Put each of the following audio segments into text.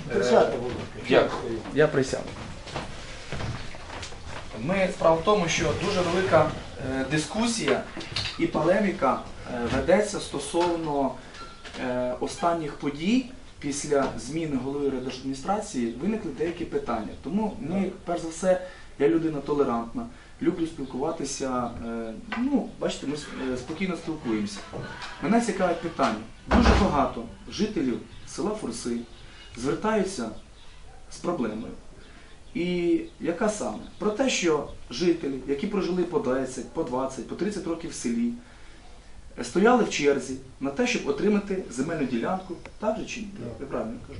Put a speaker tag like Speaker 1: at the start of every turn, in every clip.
Speaker 1: Дякую. Я присяду. Справа в тому, що дуже велика дискусія і полеміка ведеться стосовно останніх подій. Після зміни голови райдержадміністрації виникли деякі питання. Тому ми, перш за все, я людина толерантна, люблю спілкуватися, бачите, ми спокійно спілкуємося. Мене цікавить питання. Дуже багато жителів села Фурси звертаються з проблемою. І яка саме? Про те, що жителі, які прожили по 10, по 20, по 30 років в селі, стояли в черзі на те, щоб отримати земельну ділянку, так же чи ні? Я правильно кажу?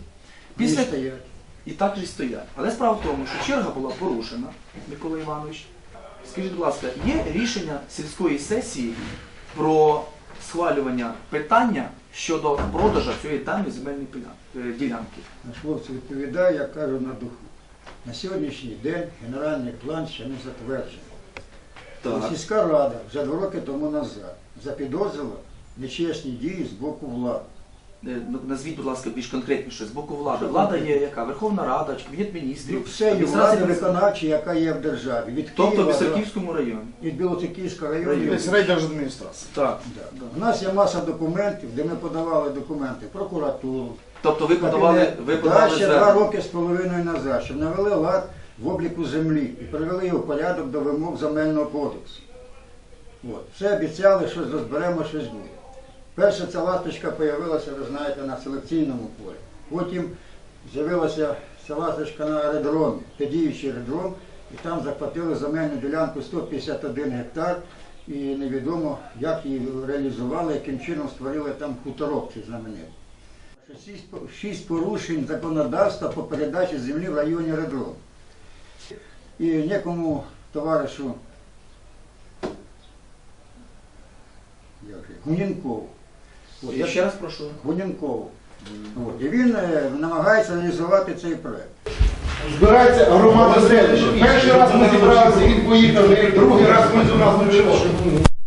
Speaker 1: І так же стоять. Але справа в тому, що черга була порушена, Микола Іванович. Скажіть, будь ласка, є рішення сільської сесії про схвалювання питання щодо продажу цієї даної земельної ділянки?
Speaker 2: Наш хлопці відповідає, як кажу, на духу. На сьогоднішній день генеральний план ще не затверджений. Сільська рада вже 2 роки тому назад запідозрила нечесні дії з боку влади.
Speaker 1: Назвіть, будь ласка, більш конкретніше, з боку влади. Влада є яка? Верховна Рада, Кабінет міністрів?
Speaker 2: Все є влада виконавча, яка є в державі. Від
Speaker 1: тобто
Speaker 2: Києва,
Speaker 1: в Білоцерківському районі?
Speaker 2: Від Білоцерківського району.
Speaker 3: Тобто райдержадміністрація.
Speaker 1: Так.
Speaker 2: У нас є маса документів, де ми подавали документи в прокуратуру.
Speaker 1: Тобто ви подавали
Speaker 2: ще 2 роки з половиною назад, щоб навели лад в обліку землі і привели його в порядок до вимог Земельного кодексу. Все обіцяли, щось розберемо, щось буде. Перша ця ласточка з'явилася, ви знаєте, на селекційному полі. Потім з'явилася ця ласточка на аеродромі, діючий аеродром, і там захватили земельну ділянку 151 гектар, і невідомо, як її реалізували, яким чином створили там хуторок цей знаменитий. 6 порушень законодавства по передачі землі в районі аеродрому. І некому товаришу Гунінкову.
Speaker 1: Я ще раз прошу.
Speaker 2: Гунінкову. І він намагається реалізувати цей проєкт.
Speaker 3: Збирається громада селища. Перший раз ми зібралися, він поїхав, другий раз ми до нас не